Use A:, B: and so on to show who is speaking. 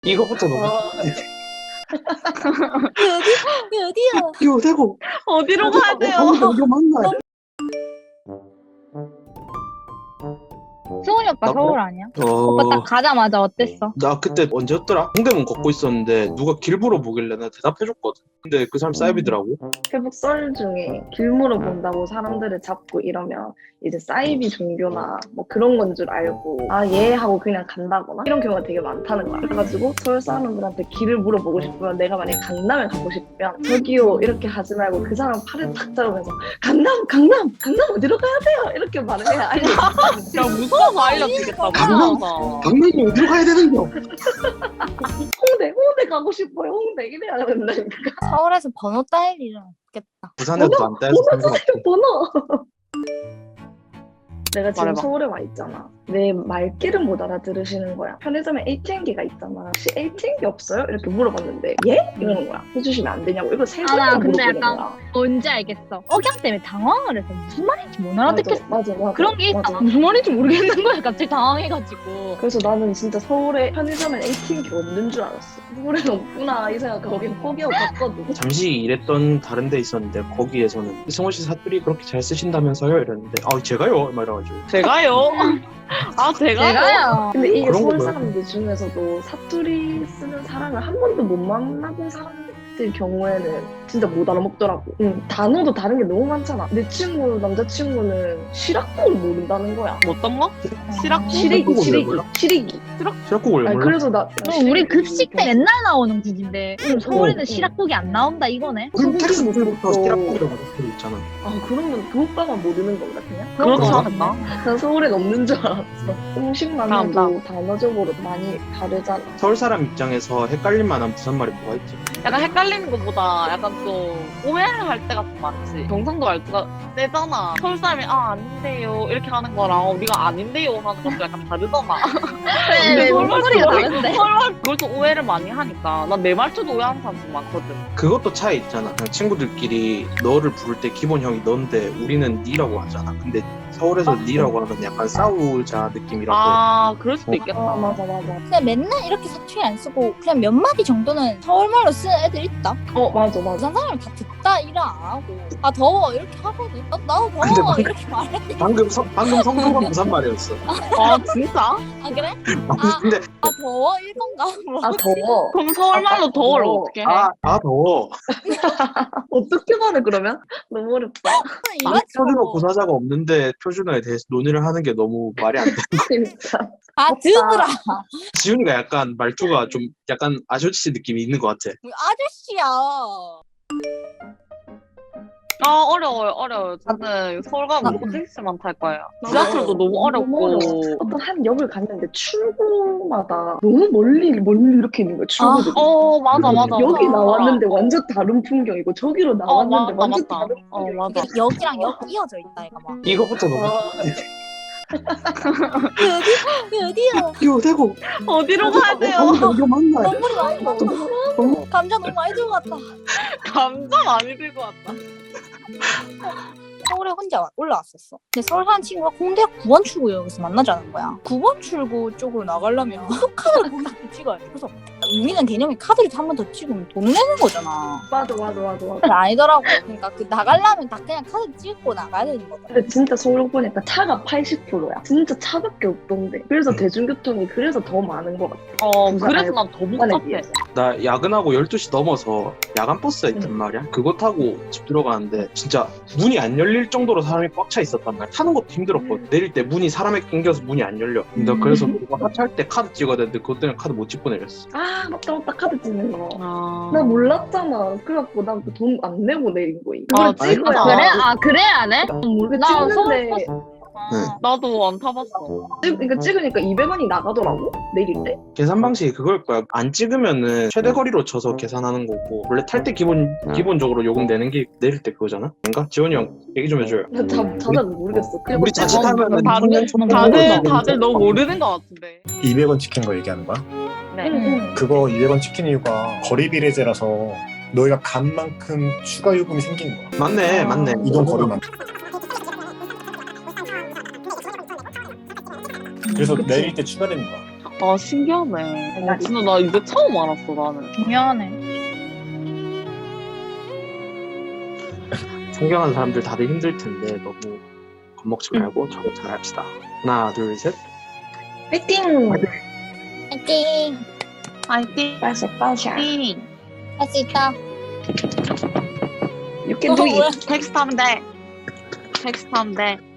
A: 이거부터 너무
B: 어디야?
A: 이거 되고
C: 어디로 가야 돼요?
A: 이거 맞나?
B: 승훈이 오빠
A: 나
B: 서울 아니야? 오빠
A: 어,
B: 딱 가자마자 어땠어?
A: 나 그때 언제였더라? 동대문 걷고 있었는데 누가 길 물어보길래 내가 대답해줬거든. 근데 그 사람 사이비더라고.
C: 페북 썰 중에 길 물어본다고 사람들을 잡고 이러면 이제 사이비 종교나 뭐 그런 건 줄 알고 아 예 하고 그냥 간다거나 이런 경우가 되게 많다는 거야. 그래가지고 서울 사람들한테 길을 물어보고 싶으면 내가 만약에 강남에 가고 싶으면 저기요 이렇게 하지 말고 그 사람 팔을 탁 잡으면서 강남 어디로 가야 돼요? 이렇게 말을 해야 알려.
D: 야 무서워서 알려주겠다고.
A: 강남? 강남이 어디로 가야 되는 거?
C: 홍대 가고 싶어요. 홍대 이래야 된다니까.
B: 서울에서 번호 따일 일은 없겠다.
A: 부산에도 안 따여서 상관없어.
C: 번호. 내가 지금
D: 말해봐.
C: 서울에 와 있잖아. 내 말귀를 못 알아들으시는 거야. 편의점에 ATM기가 있잖아. 혹시 ATM기 없어요? 이렇게 물어봤는데 예? 이러는 거야. 해주시면 안 되냐고. 이거 세
B: 아,
C: 번이나
B: 근데
C: 물어보는
B: 약간
C: 거야.
B: 뭔지 알겠어. 억양 때문에 당황을 해서 무슨 말인지 못 알아듣겠어.
C: 맞아.
B: 그런 게 있다.
C: 맞아.
B: 무슨 말인지 모르겠는 거야. 갑자기 당황해가지고.
C: 그래서 나는 진짜 서울에 편의점에 ATM기 없는 줄 알았어. 서울에 없구나 이 생각하고 거긴 포기하고 갔거든.
A: 잠시 일했던 다른 데 있었는데 거기에서는 승원 씨 사투리 그렇게 잘 쓰신다면서요? 이랬는데 아 제가요? 막 이래가지고
D: 제가요? 아 제가요?
B: 제가요.
C: 근데 이게
A: 그런
C: 서울
A: 거
C: 사람들 중에서도 사투리 쓰는 사람을 한 번도 못 만나본 사람들 경우에는 진짜 못 알아먹더라고. 단어도 다른 게 너무 많잖아. 내 친구 남자친구는 시락국을 모른다는 거야.
D: 어떤 거? 시락?
A: 시래기 몰라?
C: 시래기.
A: 시락국을
C: 아니
A: 몰라?
C: 그래서 나
B: 우리 급식 때 맨날 나오는 국인데 서울에는
C: 어.
B: 시락국이 안 나온다 이거네.
A: 그럼
C: 소고기
A: 텍스트부터
C: 먹고.
A: 시락국이라고 적혀 있잖아.
C: 아 그러면 그 오빠만 모르는 건가 그냥?
D: 그렇지
A: 그런가?
D: 않을까?
C: 난 서울엔 없는 줄 알았어. 음식만
D: 다음.
C: 해도 단어적으로 많이 다르잖아.
A: 서울 사람 입장에서 헷갈릴 만한 부산말이 뭐가 있지?
D: 약간 헷갈리는 것보다 약간 좀 오해를 할 때가 좀 많지. 경상도 말투가 세잖아. 서울 사람이 아 아닌데요 이렇게 하는 거랑 우리가 아닌데요 하는 것도 약간 다르잖아.
B: 네,
D: 서울
B: 목소리가
D: 말투
B: 다른데.
D: 서울 그걸 또 오해를 많이 하니까 난 내 말투도 오해하는 사람 좀 많거든.
A: 그것도 차이 있잖아. 그냥 친구들끼리 너를 부를 때 기본 형이 넌데 우리는 니라고 하잖아. 근데 서울에서 니라고 하면 약간 싸우자 느낌이라고.
D: 아 그럴 수도
A: 어.
D: 있겠다.
C: 맞아.
B: 그냥 맨날 이렇게 사투리 안 쓰고 그냥 몇 마디 정도는 서울말로 쓰는 애들 있다.
C: 맞아.
B: 부산 사람 다 듣다 일 안 하고 아 더워 이렇게 하거든. 나도
A: 근데
B: 더워
A: 막-
B: 이렇게 말해.
A: 방금 성도가 부산말이었어.
D: 아 진짜?
B: 아 그래?
A: 근데
B: 아 더워 이건가? 뭐.
C: 아 더워.
D: 그럼 서울말로 더워를
C: 더워.
D: 어떻게 해?
A: 더워.
C: 어떻게 말해 그러면? 너무 어렵다.
A: 표준어 구사자가 없는데 표준어에 대해서 논의를 하는 게 너무 말이 안 돼.
C: 진짜.
B: 아 드브라.
A: 지훈이가 약간 말투가 좀 약간 아저씨 느낌이 있는 것 같아.
B: 아저씨야.
D: 아 어려워요. 저는 서울 가면 무조건 택시만 탈 거예요. 지하철도 너무
C: 너무
D: 어렵고.
C: 어려워. 어떤 한 역을 갔는데 출구마다 너무 멀리 이렇게 있는 거야 출구들이.
D: 맞아.
C: 여기 나왔는데 완전 다른 풍경이고 저기로 나왔는데 완전
D: 맞다.
C: 다른 풍경.
D: 맞아.
B: 여기랑 역 이어져 있다 이거 막.
A: 이거부터 너무
B: 어디야?
A: 이거 되고
D: 어디로 가야 돼요?
A: 이거 맞나?
B: 너무 많이 먹어. 감자 너무 많이 들어갔다.
D: 감자 많이 들고 왔다.
B: 서울에 혼자 올라왔었어. 근데 서울 사는 친구가 홍대 9번 출구역에서 만나자는 거야. 9번 출구 쪽으로 나가려면 카드를 거기서 찍어야 돼. 그래서 우리는 개념이 카드를 한 번 더 찍으면 돈 내는 거잖아.
C: 맞아.
B: 근데 아니더라고. 그러니까 그 나가려면 다 그냥 카드 찍고 나가야 되는 거다.
C: 근데 진짜 서울 보니까 차가 80%야. 진짜 차밖에 없던데. 그래서 대중교통이 그래서 더 많은 것 같아. 부산
D: 그래서 난 더
C: 부산에
D: 복잡해.
C: 비해서.
A: 나 야근하고 12시 넘어서 야간 버스가 있단 말이야. 그거 타고 집 들어가는데 진짜 문이 안 열릴 정도로 사람이 꽉 차 있었단 말이야. 타는 것도 힘들었거든. 내릴 때 문이 사람에 낑겨서 문이 안 열려. 나 그래서 그거 하차할 때 카드 찍어야 되는데 그것 때문에 카드 못 찍고 내렸어.
C: 아 맞다 카드 찍는 거.
D: 아.
C: 나 몰랐잖아. 그래갖고 난 돈 안 내고 내린 거임.
D: 아,
C: 그걸 찍어야.
D: 진짜?
B: 그래? 아 그래 안 해?
C: 그
B: 나 서울
C: 찍는데
D: 나도 안 타봤어.
C: 그러니까 찍으니까 200원이 나가더라고 내릴 때.
A: 계산 방식이 그걸 거야. 안 찍으면은 최대 거리로 쳐서 계산하는 거고 원래 탈 때 기본적으로 요금 내는 게 내릴 때 그거잖아. 뭔가 지원이 형 얘기 좀 해줘요.
C: 난 자세는 모르겠어. 그냥
A: 우리 자칫하면은
D: 다들 너무 모르는 것 같은데.
E: 200원 찍힌 거 얘기하는 거야?
D: 네.
C: 응.
E: 그거 200원 찍힌 이유가 거리 비례제라서 너희가 간 만큼 추가 요금이 생기는 거야.
A: 맞네.
E: 이동 거리만. 그래서
C: 그치.
E: 내릴 때 추가되는 거야.
D: 아 신기하네. 진짜 나 이제 처음 알았어 나는.
B: 중요하네.
A: 존경하는 사람들 다들 힘들 텐데 너무 겁먹지 말고 저도 잘합시다. 하나, 둘, 셋.
C: 파이팅!
B: 파이팅!
D: 파이팅.
C: 빠샤 빠샤.
B: 할 수 있다.
C: You can do it.
D: 텍스트 하면 돼. 텍스트 하면 돼.